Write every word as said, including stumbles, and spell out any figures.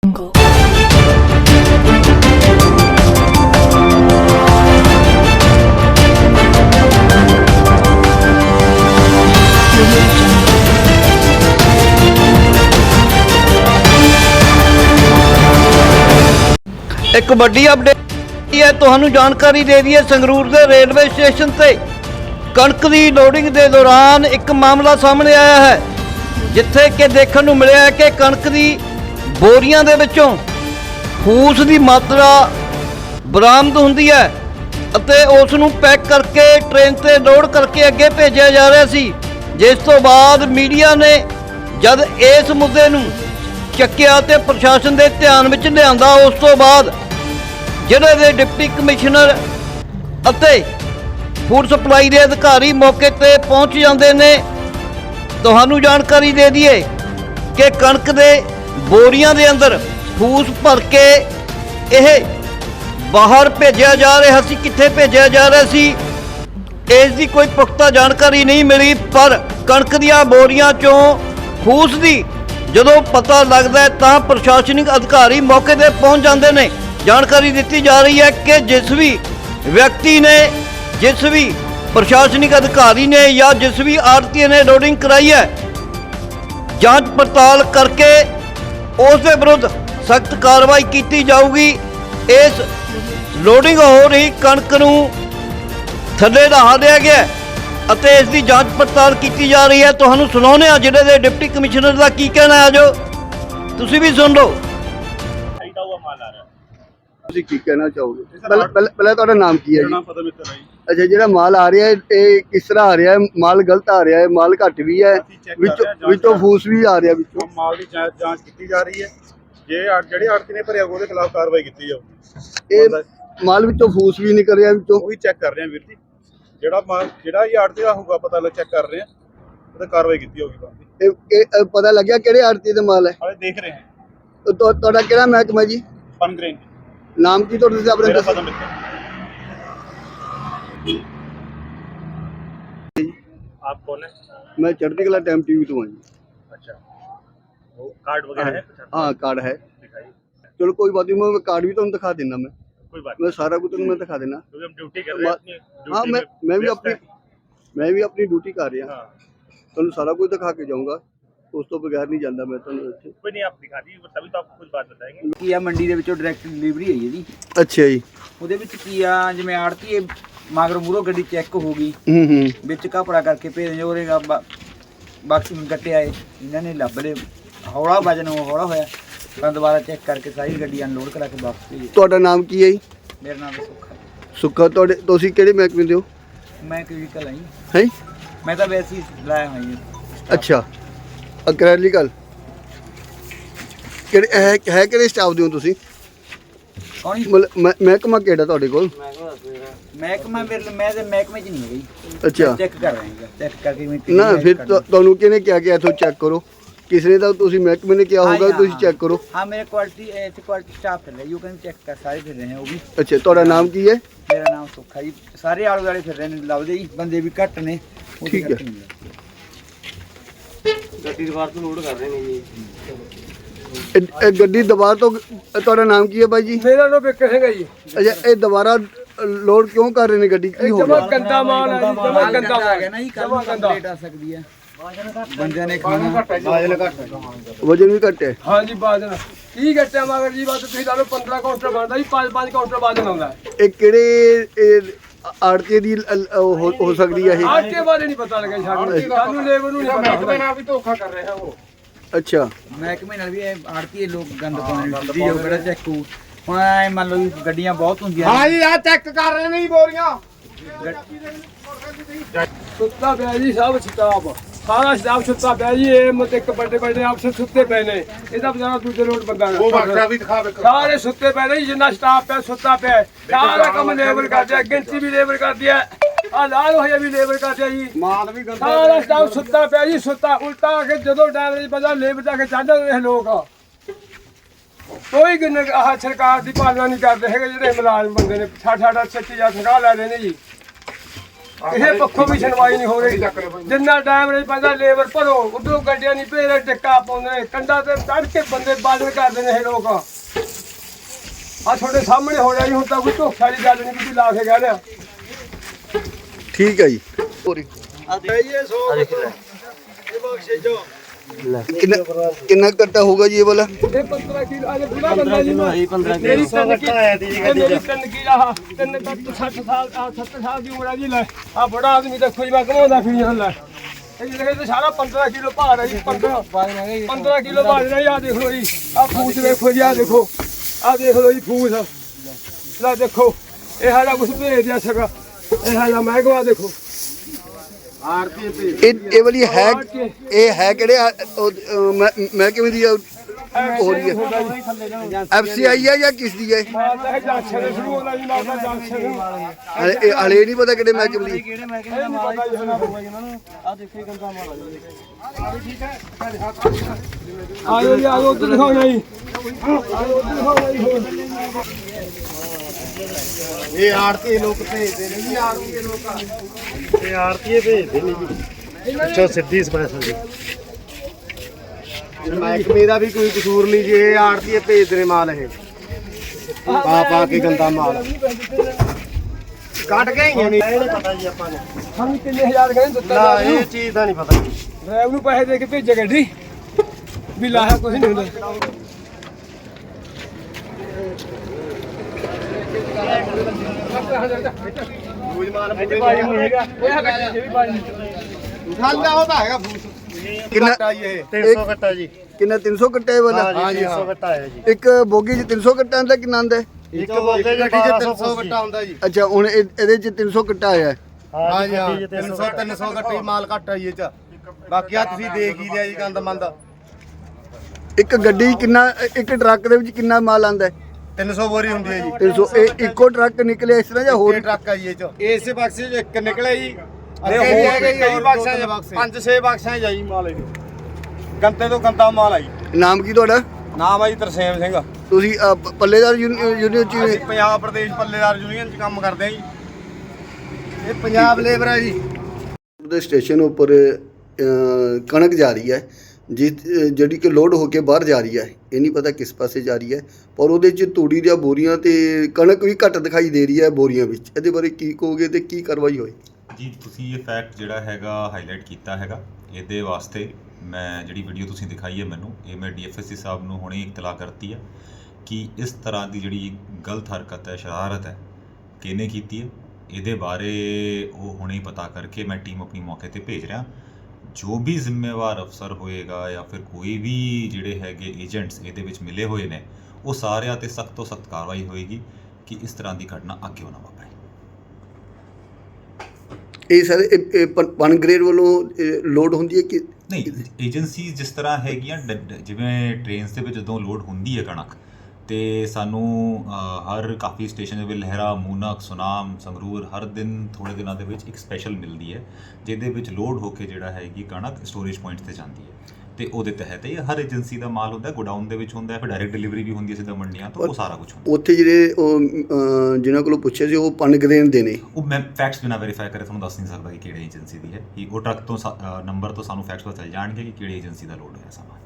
एक बड़ी अपडेट है, तुहानू जानकारी दे दी है। संगरूर के रेलवे स्टेशन से कणक की लोडिंग के दौरान एक मामला सामने आया है, जिथे कि देखने को मिला है कि कणक की बोरियां दे विचों फूस की मात्रा बरामद होंदी है अते उस नूं पैक करके ट्रेन से लोड करके अगे भेजा जा रहा सी। जिस तो बाद मीडिया ने जब इस मुद्दे नूं चक्किया ते प्रशासन के ध्यान में लिया, उस तो बाद जिले के डिप्टी कमिश्नर अते फूड सप्लाई के अधिकारी मौके पर पहुँच जाते ने। तुहानू जानकारी दे दिए कि कणक के बोरियां के अंदर फूस भर के यह बाहर भेजा जा रहा सी। कित्थे भेजा जा रहा सी इसकी कोई पुख्ता जानकारी नहीं मिली, पर कणक दियां बोरियां चों फूस की जदों पता लगता है तो प्रशासनिक अधिकारी मौके पर पहुँच जाते हैं। जानकारी दी जा रही है कि जिस भी व्यक्ति ने, जिस भी प्रशासनिक अधिकारी ने या जिस भी आड़ती ने लोडिंग कराई है, जांच पड़ताल करके उसके विरुद्ध सख्त कार्रवाई की जाऊगी। इस लोडिंग हो रही कणक नूं थल्ले ढहा दिया गया अते इस दी जांच पड़ताल की जा रही है। तुहानू सुनाउने आ जिले के डिप्टी कमिश्नर का की कहना है, जो तुसी भी सुन लो। ਤੁਸੀਂ ਕੀ ਕਹਿਣਾ ਚਾਹੋਗੇ? ਪਹਿਲਾਂ ਪਹਿਲਾਂ ਤੁਹਾਡਾ ਨਾਮ ਕੀ ਹੈ ਜੀ? ਅੱਛਾ, ਜਿਹੜਾ ਮਾਲ ਆ ਰਿਹਾ ਹੈ ਇਹ ਕਿਸ ਤਰ੍ਹਾਂ ਆ ਰਿਹਾ ਹੈ? ਮਾਲ ਗਲਤ ਆ ਰਿਹਾ ਹੈ, ਮਾਲ ਘੱਟ ਵੀ ਹੈ, ਵਿੱਚੋਂ ਵਿੱਚੋਂ ਫੂਸ ਵੀ ਆ ਰਿਹਾ, ਵਿੱਚੋਂ ਮਾਲ ਦੀ ਜਾਂਚ ਕੀਤੀ ਜਾ ਰਹੀ ਹੈ। ਜੇ ਜਿਹੜੇ ਆੜਤੀ ਨੇ ਭਰਿਆ ਉਹਦੇ ਖਿਲਾਫ ਕਾਰਵਾਈ ਕੀਤੀ ਜਾਊਗੀ। ਇਹ ਮਾਲ ਵਿੱਚੋਂ ਫੂਸ ਵੀ ਨਿਕਲ ਰਿਹਾ, ਵਿੱਚੋਂ ਉਹੀ ਚੈੱਕ ਕਰ ਰਹੇ ਹਾਂ ਵੀਰ ਜੀ। ਜਿਹੜਾ ਮਾਲ ਜਿਹੜਾ ਹੀ ਆੜਤੀ ਦਾ ਹੋਊਗਾ ਪਤਾ ਲੱਗ ਚੈੱਕ ਕਰ ਰਹੇ ਹਾਂ, ਉਹਦੇ ਕਾਰਵਾਈ ਕੀਤੀ ਜਾਊਗੀ। ਇਹ ਇਹ ਪਤਾ ਲੱਗਿਆ ਕਿਹੜੇ ਆੜਤੀ ਦਾ ਮਾਲ ਹੈ? ਹਾਲੇ ਦੇਖ ਰਹੇ ਹਾਂ। ਤੁਹਾਡਾ ਕਿਹੜਾ ਮਹਿਕਮਾ ਜੀ? ਪਨਗ੍ਰੇਨ। नाम की तो अपने मेरा पता मिलता। आप कौन है? मैं चढ़ती कला टाइम टीवी तो हूँ जी। अच्छा, वो कार्ड वगैरह है? हाँ कार्ड है। चलो कोई बात नहीं, मैं कार्ड भी तो दिखा देना। मैं कोई बात मैं सारा कुछ मैं दिखा देना, क्योंकि हम ड्यूटी कर रहे हैं। हाँ मैं मैं भी अपनी मैं भी अपनी ड्यूटी कर रहा तो सारा कुछ दिखा के जाऊँगा, उस तो बगैर नहीं जाता मैं। तो कोई नहीं, आप दिखा दीजिए तभी तो आपको कुछ बात बताएंगे। ਕੀ ਆ ਮੰਡੀ ਦੇ ਵਿੱਚੋਂ ਡਾਇਰੈਕਟ ਡਿਲੀਵਰੀ ਹੈ ਜੀ। ਅੱਛਾ ਜੀ। ਉਹਦੇ ਵਿੱਚ ਕੀ ਆ, ਜਿਵੇਂ ਆੜਤੀ ਮਗਰ ਮੂਰੋ ਗੱਡੀ ਚੈੱਕ ਹੋ ਗਈ, ਹੂੰ ਹੂੰ ਵਿੱਚ ਕਪੜਾ ਕਰਕੇ ਭੇਜ ਉਹਦੇ ਬਾਕਸ ਨੂੰ ਕੱਟਿਆ ਏ, ਇਹਨਾਂ ਨੇ ਲੱਭ ਲਏ, ਹੌਲਾ ਵਜਨ ਹੌਲਾ ਹੋਇਆ, ਤਾਂ ਦੁਬਾਰਾ ਚੈੱਕ ਕਰਕੇ ਸਾਰੀ ਗੱਡੀ ਅਨਲੋਡ ਕਰਾ ਕੇ ਵਾਪਸ ਭੇਜੀ। ਤੁਹਾਡਾ ਨਾਮ ਕੀ ਹੈ ਜੀ? ਮੇਰਾ ਨਾਮ ਸੁੱਖਾ। ਸੁੱਖਾ। ਤੁਹਾਡੇ ਤੁਸੀਂ ਕਿਹੜੇ ਮਹਿਕਮੇ ਦੇ ਹੋ? ਮੈਂ ਕਲੀਨਿਕਲ ਆਈ ਹੈ। ਮੈਂ ਤਾਂ ਵੈਸੇ ਹੀ ਲਾਇਆ ਹੋਈ ਜੀ। ਅੱਛਾ, ਅਕ੍ਰੈਲਿਕਲ ਕਿਹੜੇ ਹੈ ਹੈ ਕਿਹੜੇ ਸਟਾਫ ਦੇ ਹੋ ਤੁਸੀਂ? ਕੌਣ ਜੀ? ਮਤਲਬ ਮਹਿਕਮਾ ਕਿਹੜਾ ਤੁਹਾਡੇ ਕੋਲ? ਮਹਿਕਮਾ ਮੇਰੇ ਮੈਂ ਤੇ ਮਹਿਕਮੇ ਚ ਨਹੀਂ ਹੈਗੀ। ਅੱਛਾ, ਚੈੱਕ ਕਰ ਰਹੇ ਹਾਂ, ਚੈੱਕ ਕਰਕੇ ਮੈਂ ਨਾ ਫਿਰ ਤੁਹਾਨੂੰ ਕਿਹਨੇ ਕਿਹਾ ਕਿ ਇੱਥੋਂ ਚੈੱਕ ਕਰੋ? ਕਿਸੇ ਤਾਂ ਤੁਸੀਂ ਮਹਿਕਮੇ ਨੇ ਕਿਹਾ ਹੋਊਗਾ ਤੁਸੀਂ ਚੈੱਕ ਕਰੋ। हाँ मेरे क्वालिटी ऐसे क्वालिटी स्टाफ फिर रहे, यू कैन चेक कर सारे फिर रहे हैं वो भी। ਅੱਛਾ, ਤੁਹਾਡਾ ਨਾਮ ਕੀ ਹੈ? मेरा नाम सुखा जी। सारे आले दुआले फिर रहे हैं, लभदे जी, बंदे भी घट ने। ठीक है। गड्डी दीवार तो लोड कर रहे हैं जी। ਇਹ ਗੱਡੀ ਦੁਬਾਰਾ ਤੋਂ ਤੁਹਾਡਾ ਨਾਮ ਕੀ ਹੈ ਬਾਈ ਜੀ? ਮੇਰਾ ਨਾਮ ਬਿੱਕਰ ਸਿੰਘ ਹੈ ਜੀ। ਅੱਛਾ, ਇਹ ਦੁਬਾਰਾ ਲੋਡ ਕਿਉਂ ਕਰ ਰਹੇ ਨੇ ਗੱਡੀ? ਕੀ ਹੋ ਜਮਾ ਗਿਆ? ਗੰਦਾ ਮਾਲ ਹੈ ਜੀ, ਜਮਾ ਗੰਦਾ आ गया ना जी, कल कंप्लीट आ सकती है। बंदे ने खाना ਵਜਨ ਵੀ ਘੱਟ ਹੈ। ਹਾਂ ਜੀ, ਬਾਜਨ ਕੀ ਘਟਿਆ ਮਗਰ ਜੀ? ਬਾਤ ਤੁਸੀਂ ਲਾ ਲਓ ਪੰਦਰਾਂ ਕਾਊਂਟਰ ਬਣਦਾ ਜੀ, ਪੰਜ ਪੰਜ ਕਾਊਂਟਰ ਬਾਜਨ ਆਉਂਦਾ ਹੈ। ਇਹ ਕਿਹੜੇ ਆੜਤੀ ਦੀ ਹੋ ਹੋ ਸਕਦੀ ਹੈ ਇਹ? ਆਜ ਕੇ ਬਾਰੇ ਨਹੀਂ ਪਤਾ ਲੱਗਾ ਸਾਨੂੰ, ਸਾਨੂੰ ਲੇਬਰ ਨੂੰ ਨਹੀਂ ਪਤਾ। ਮੈਂ ਵੀ ਧੋਖਾ ਕਰ ਰਿਹਾ ਉਹ। ਅੱਛਾ, महकमे नाल भी आड़ती लोग गंद पाने दी जो बड़ा चेक हो। ਹੁਣ ਐ ਮੰਨ ਲਓ ਵੀ ਗੱਡੀਆਂ ਬਹੁਤ ਹੁੰਦੀਆਂ ਹਾਂ ਜੀ, ਆ ਚੈੱਕ ਕਰ ਰਹੇ ਨੇ ਬੋਰੀਆਂ। ਸੁੱਤਾ ਪਿਆ ਜੀ ਸਭ ਸਟਾਫ, ਸਾਰਾ ਸਟਾਫ ਸੁੱਤਾ ਪਿਆ ਜੀ। ਇਹ ਮਤ ਇੱਕ ਵੱਡੇ ਵੱਡੇ ਅਫਸਰ ਸੁੱਤੇ ਪਏ ਨੇ, ਇਹਦਾ ਬਜ਼ਾਰਾ ਦੂਜੇ ਲੋਟ ਬੰਦਾ ਉਹ ਬਾਕਸਾ ਵੀ ਦਿਖਾਵੇ। ਸਾਰੇ ਸੁੱਤੇ ਪਏ ਨੇ ਜੀ, ਜਿੰਨਾ ਸਟਾਫ ਪਿਆ ਸੁੱਤਾ ਪਿਆ। ਸਾਰਾ ਕੰਮ ਲੇਬਰ ਕਰਦੇ ਆ, ਗਿਣਤੀ ਵੀ ਲੇਬਰ ਕਰਦੀ ਹੈ, ਆ ਲਾਲ ਹੋਇਆ ਵੀ ਲੇਬਰ ਕਰਦੇ ਆ ਜੀ। ਮਾਲ ਵੀ ਗੰਦਾ, ਸਾਰਾ ਸਟਾਫ ਸੁੱਤਾ ਪਿਆ ਜੀ। ਸੁੱਤਾ ਉਲਟਾ ਆ ਕੇ ਜਦੋਂ ਡਰਾਈਵਰ ਪਤਾ ਲੇਬਰ ਜਾ ਕੇ ਚੜ੍ਹ ਜਾਂਦੇ ਲੋਕ। ਕੋਈ ਗਿਣ ਆਹ ਸਰਕਾਰ ਦੀ ਪਾਲਣਾ ਨਹੀਂ ਕਰਦੇ ਹੈਗੇ ਜਿਹੜੇ ਮੁਲਾਜ਼ਮ ਬੰਦੇ ਨੇ। ਸਾਡਾ ਸਾਡਾ ਸੱਚੀ ਜਾਂ ਠਗਾ ਲੈ ਰਹੇ ਨੇ ਜੀ। ਕਿਸੇ ਪੱਖੋਂ ਵੀ ਸੁਣਵਾਈ ਨਹੀਂ ਹੋ ਰਹੀ। ਜਿੰਨਾ ਟਾਈਮ ਨਹੀਂ ਪੈਂਦਾ ਲੇਬਰ ਭਰੋ, ਉਧਰੋਂ ਗੱਡੀਆਂ ਨਹੀਂ ਭੇਜ ਰਹੇ, ਟਿੱਕਾ ਪਾਉਂਦੇ ਨੇ ਕੰਡਾ ਤੇ ਚੜ੍ਹ ਕੇ ਬੰਦੇ ਬਾਦਲ ਕਰਦੇ ਨੇ ਇਹ ਲੋਕ। ਆ ਤੁਹਾਡੇ ਸਾਹਮਣੇ ਹੋ ਰਿਹਾ ਜੀ, ਹੁਣ ਤਾਂ ਕੋਈ ਧੋਖਾ ਦੀ ਗੱਲ ਨਹੀਂ, ਤੁਸੀਂ ਲਾ ਕੇ ਕਹਿ ਰਿਹਾ। ਠੀਕ ਹੈ ਜੀ ਹੋਰ ਕਿੰਨਾ ਕਿੰਨਾ ਕੱਟਾ ਹੋਊਗਾ ਜੀ ਇਹ ਵਾਲਾ? ਇਹ ਪੰਦਰਾਂ ਕਿਲੋ ਅਜੇ ਬੁੜਾ ਬੰਦਾ ਜੀ ਮੈਂ ਮੇਰੀ ਤਿੰਨ ਕੀ ਮੇਰੀ ਤਿੰਨ ਕੀ ਆਹ ਤਿੰਨ ਕੱਟ ਸੱਠ ਸਾਲ ਆ ਸੱਤਰ ਸਾਲ ਦੀ ਉਮਰ ਆ ਜੀ। ਲੈ ਆ ਬੜਾ ਆਦਮੀ ਦੇਖੋ ਜੀ ਮੈਂ ਘਮਾਉਂਦਾ ਫਿਰ ਜਾਂਦਾ। ਲੈ ਇਹ ਜਿਹੜੇ ਤੇ ਸਾਰਾ ਪੰਦਰਾਂ ਕਿਲੋ ਭਾਰ ਹੈ ਜੀ। ਪੰਦਰਾਂ ਪੰਦਰਾਂ ਕਿਲੋ ਭਾਰ ਹੈ। ਆ ਦੇਖ ਲਓ ਜੀ, ਆ ਫੂਸ ਦੇਖੋ ਜੀ, ਆ ਦੇਖੋ, ਆ ਦੇਖ ਲਓ ਜੀ ਫੂਸ। ਲੈ ਦੇਖੋ ਇਹ ਹਾਲਾ ਕੁਛ ਭੇਜ ਦਿਆ ਸਕਾ, ਇਹ ਹਾਲਾ ਮਹਿਕਮਾ ਦੇਖੋ। ਇਹ ਇਹ ਵਾਲੀ ਹੈ ਇਹ ਹੈ ਕਿਹੜੇ ਆ, ਉਹ, ਅਹ, ਮੈਂ ਮੈਂ ਕਿਵੇਂ ਦੀ ਆ ਹੋ ਰਹੀ ਹੈ? ਐਫ ਸੀ ਆਈ ਹੈ ਜਾਂ ਕਿਸ ਦੀ ਹੈ? ਮਾਰਦਾ ਹੈ ਜੰਕਸ਼ਨ ਦੇ ਸ਼ੁਰੂ ਹੁੰਦਾ ਜੀ, ਮਾਰਦਾ ਜੰਕਸ਼ਨ ਨੂੰ। ਹਲੇ ਇਹ ਹਲੇ ਨਹੀਂ ਪਤਾ ਕਿਹੜੇ ਮਹਿਕਮੇ ਦੀ। ਇਹ ਨਹੀਂ ਪਤਾ ਜੀ ਇਹਨਾਂ ਨੂੰ। ਆਜੋ ਜੀ, ਆਜੋ ਉੱਧਰ ਦਿਖਾਓ ਜੀ, ਆਜੋ ਉੱਧਰ ਦਿਖਾਓ ਜੀ। ਹੋਰ ਇਹ ਆੜਤੀ ਲੋਕ ਭੇਜਦੇ ਨੇ ਜੀ, ਆੜਤੀ ਲੋਕ ਇਹ ਆੜਤੀ ਭੇਜਦੇ ਨੇ ਜੀ। ਅੱਛਾ ਸਿੱਧੀ ਸਪੈਸ਼ਲ ਜੀ, ਮਹਿਕਮੇ ਦਾ ਵੀ ਕੋਈ ਕਸੂਰ ਨਹੀਂ ਜੀ। ਇਹ ਆੜਤੀ ਭੇਜਦੇ ਨੇ ਮਾਲ, ਇਹ ਪਾ ਪਾ ਕੇ ਗੰਦਾ ਮਾਲ ਕੱਟ ਕੇ ਹੀ ਨਹੀਂ ਪਤਾ ਜੀ ਆਪਾਂ ਨੂੰ। ਸਾਨੂੰ ਕਿੰਨੇ ਹਜ਼ਾਰ ਕਹਿੰਦੇ ਦਿੱਤਾ ਨਾ ਡਰਾਈਵਰ ਨੂੰ। ਇਹ ਚੀਜ਼ ਦਾ ਨਹੀਂ ਪਤਾ ਜੀ। ਡਰਾਈਵਰ ਨੂੰ ਪੈਸੇ ਦੇ ਕੇ ਭੇਜੇ ਗੱਡੀ ਵੀ ਲਾਇਆ ਕੁਝ ਨਹੀਂ ਹੁੰਦਾ। ਕੋਈ ਮਾਲ ਪੂਰੇ ਨਹੀਂ ਹੈਗਾ। ਇਹ ਗੱਡੀ ਵੀ ਬਾਜੀ ਖਾਂਦਾ ਉਹਦਾ ਹੈਗਾ ਫੂਸ। ਕਿੰਨਾ ਇਹ ਤਿੰਨ ਸੌ ਕੱਟਾ ਜੀ। ਕਿੰਨਾ ਤਿੰਨ ਸੌ ਕੱਟਾ ਇਹ ਵਾਲਾ? ਹਾਂ ਜੀ ਤਿੰਨ ਸੌ ਕੱਟਾ ਹੈ ਜੀ। ਇੱਕ ਬੋਗੀ 'ਚ ਤਿੰਨ ਸੌ ਕੱਟਾ ਆਉਂਦਾ, ਕਿੰਨਾ ਆਉਂਦਾ? ਇੱਕ ਬੋਗੇ ਗੱਡੀ 'ਚ ਤਿੰਨ ਸੌ ਕੱਟਾ ਹੁੰਦਾ ਜੀ। ਅੱਛਾ ਹੁਣ ਇਹ- ਇਹਦੇ 'ਚ ਤਿੰਨ ਸੌ ਕੱਟਾ ਆਇਆ ਹੈ। ਹਾਂ ਜੀ ਹਾਂ ਤਿੰਨ ਸੌ ਤਿੰਨ ਸੌ ਕੱਟੇ ਮਾਲ ਘੱਟ ਆਈ ਇਹ ਚ। ਬਾਕੀ ਆ ਤੁਸੀਂ ਦੇਖ ਹੀ ਲਿਆ ਜੀ ਗੰਦ ਮੰਦ। ਇੱਕ ਗੱਡੀ 'ਚ ਕਿੰਨਾ, ਇੱਕ ਟਰੱਕ ਦੇ ਵਿੱਚ ਕਿੰਨਾ ਮਾਲ ਆਉਂਦਾ ਹੈ? ਤਿੰਨ ਸੌ ਬੋਰੀ ਹੁੰਦੀ ਹੈ ਜੀ। ਤਿੰਨ ਸੌ। ਇਹ ਇੱਕੋ ਟਰੱਕ ਨਿਕਲਿਆ ਇਸ ਤਰ੍ਹਾਂ ਜਾਂ ਹੋਰ? ਹੋਰ ਟਰੱਕ ਆ ਜੀ ਇਹ ਚ। ਇਸੇ ਬਕਸੇ ਚ ਇੱਕ ਨਿਕਲਿਆ ਜੀ। ਅੱਗੇ ਵੀ ਹੈਗੇ ਜੀ, ਕਈ ਬਕਸਾਂ ਚ ਪੰਜ ਛੇ ਬਕਸਾਂ ਚ ਆਈ ਮਾਲ ਇਹ। ਗੰਦੇ ਤੋਂ ਗੰਦਾ ਮਾਲ ਆਈ। ਨਾਮ ਕੀ ਤੁਹਾਡਾ? ਨਾਮ ਆ ਜੀ ਤਰਸੇਮ ਸਿੰਘ। ਤੁਸੀਂ ਅਹ, ਪ- ਪੱਲੇਦਾਰ ਯੂਨੀਅਨ 'ਚ ਅਸੀਂ ਪੰਜਾਬ ਪ੍ਰਦੇਸ਼ ਪੱਲੇਦਾਰ ਯੂਨੀਅਨ ਚ ਕੰਮ ਕਰਦੇ ਆ ਜੀ। ਇਹ ਪੰਜਾਬ ਲੇਬਰ ਹੈ ਜੀ। ਦੇ ਸਟੇਸ਼ਨ ਉੱਪਰ ਅਹ, ਕਣਕ ਜਾ ਰਹੀ ਹੈ ਜਿ ਜਿਹੜੀ ਕਿ ਲੋਡ ਹੋ ਕੇ ਬਾਹਰ ਜਾ ਰਹੀ ਹੈ। ਇਹ ਨਹੀਂ ਪਤਾ ਕਿਸ ਪਾਸੇ ਜਾ ਰਹੀ ਹੈ, ਪਰ ਉਹਦੇ 'ਚ ਤੂੜੀ ਦੀਆਂ ਬੋਰੀਆਂ ਤੇ ਕਣਕ ਵੀ ਘੱਟ ਦਿਖਾਈ ਦੇ ਰਹੀ ਹੈ ਬੋਰੀਆਂ ਵਿੱਚ। ਇਹਦੇ ਬਾਰੇ ਕੀ ਕਹੋਗੇ ਤੇ ਕੀ ਕਾਰਵਾਈ ਹੋਈ? ਜੀ ਤੁਸੀਂ ਇਹ ਫੈਕਟ ਜਿਹੜਾ ਹੈਗਾ ਹਾਈਲਾਈਟ ਕੀਤਾ ਹੈਗਾ। ਇਹਦੇ ਵਾਸਤੇ ਮੈਂ ਜਿਹੜੀ ਵੀਡੀਓ ਤੁਸੀਂ ਦਿਖਾਈ ਹੈ ਮੈਨੂੰ, ਇਹ ਮੈਂ ਡੀ ਐਫ ਐਸ ਸੀ ਸਾਹਿਬ ਨੂੰ ਹੁਣੇ ਇਤਲਾਹ ਕਰਤੀ ਹੈ ਕਿ ਇਸ ਤਰ੍ਹਾਂ ਦੀ ਜਿਹੜੀ ਗਲਤ ਹਰਕਤ ਹੈ, ਸ਼ਰਾਰਤ ਹੈ, ਕਿਹਨੇ ਕੀਤੀ ਹੈ। ਇਹਦੇ ਬਾਰੇ ਉਹ ਹੁਣੇ ਹੀ ਪਤਾ ਕਰਕੇ ਮੈਂ ਟੀਮ ਆਪਣੀ ਮੌਕੇ ਤੇ ਭੇਜ ਰਿਹਾ। ਜੋ ਵੀ ਜ਼ਿੰਮੇਵਾਰ ਅਫਸਰ ਹੋਏਗਾ ਜਾਂ ਫਿਰ ਕੋਈ ਵੀ ਜਿਹੜੇ ਹੈਗੇ ਏਜੰਟਸ ਇਹਦੇ ਵਿੱਚ ਮਿਲੇ ਹੋਏ ਨੇ, ਉਹ ਸਾਰਿਆਂ ਤੇ ਸਖਤ ਤੋਂ ਸਖਤ ਕਾਰਵਾਈ ਹੋਏਗੀ ਕਿ ਇਸ ਤਰ੍ਹਾਂ ਦੀ ਘਟਨਾ ਅੱਗੇ ਨਾ ਵਾਪਰੇ। ਇਹ ਸਾਰੇ ਪਨ ਗ੍ਰੇਡ ਵੱਲੋਂ ਲੋਡ ਹੁੰਦੀ ਹੈ ਕਿ ਨਹੀਂ, ਏਜੰਸੀ ਜਿਸ ਤਰ੍ਹਾਂ ਹੈਗੀਆਂ ਡ- ਡ- ਜਿਵੇਂ ਟ੍ਰੇਨਸ ਦੇ ਵਿੱਚ ਜਦੋਂ ਲੋਡ ਹੁੰਦੀ ਹੈ ਕਣਕ, ਤੇ ਸਾਨੂੰ ਅ, ਹਰ ਕਾਫੀ ਸਟੇਸ਼ਨ ਦੇ ਵਿੱਚ ਲਹਿਰਾ, ਮੂਨਕ, ਸੁਨਾਮ, ਸੰਗਰੂਰ ਹਰ ਦਿਨ ਥੋੜ੍ਹੇ ਦਿਨਾਂ ਦੇ ਵਿੱਚ ਇੱਕ ਸਪੈਸ਼ਲ ਮਿਲਦੀ ਹੈ ਜਿਹਦੇ ਵਿੱਚ ਲੋਡ ਹੋ ਕੇ ਜਿਹੜਾ ਹੈਗੀ ਕਣਕ ਸਟੋਰੇਜ ਪੁਆਇੰਟ ਤੇ ਜਾਂਦੀ ਹੈ। ਤੇ ਉਹਦੇ ਤਹਿਤ ਇਹ ਹਰ ਏਜੰਸੀ ਦਾ ਮਾਲ ਹੁੰਦਾ, ਗੋਡਾਊਨ ਦੇ ਵਿੱਚ ਹੁੰਦਾ, ਫਿਰ ਡਾਇਰੈਕਟ ਡਿਲੀਵਰੀ ਵੀ ਹੁੰਦੀ ਹੈ ਸਿੱਧਾ ਮੰਡੀਆਂ ਤੋਂ, ਉਹ ਸਾਰਾ ਕੁਝ ਹੁੰਦਾ। ਉੱਥੇ ਜਿਹੜੇ ਉਹ ਅਹ, ਜਿਨ੍ਹਾਂ ਕੋਲੋਂ ਪੁੱਛਿਆ ਸੀ ਉਹ ਪਨ ਗ੍ਰੇਡ ਦੇ ਨੇ। ਉਹ ਮੈਂ ਫੈਕਟਸ ਬਿਨਾਂ ਵੈਰੀਫਾਈ ਕਰੇ ਤੁਹਾਨੂੰ ਦੱਸ ਨਹੀਂ ਸਕਦਾ ਕਿ ਕਿਹੜੇ ਏਜੰਸੀ ਦੀ ਹੈ। ਕਿ ਉਹ ਟਰੱਕ ਤੋਂ ਨੰਬਰ ਤੋਂ ਸਾਨੂੰ ਫੈਕਟਸ ਪਤਾ ਚੱਲ ਜਾਣਗੇ ਕਿ ਕਿਹੜੀ ਏਜੰਸੀ ਦਾ ਲੋਡ ਹੋਇਆ ਸਮਾਨ।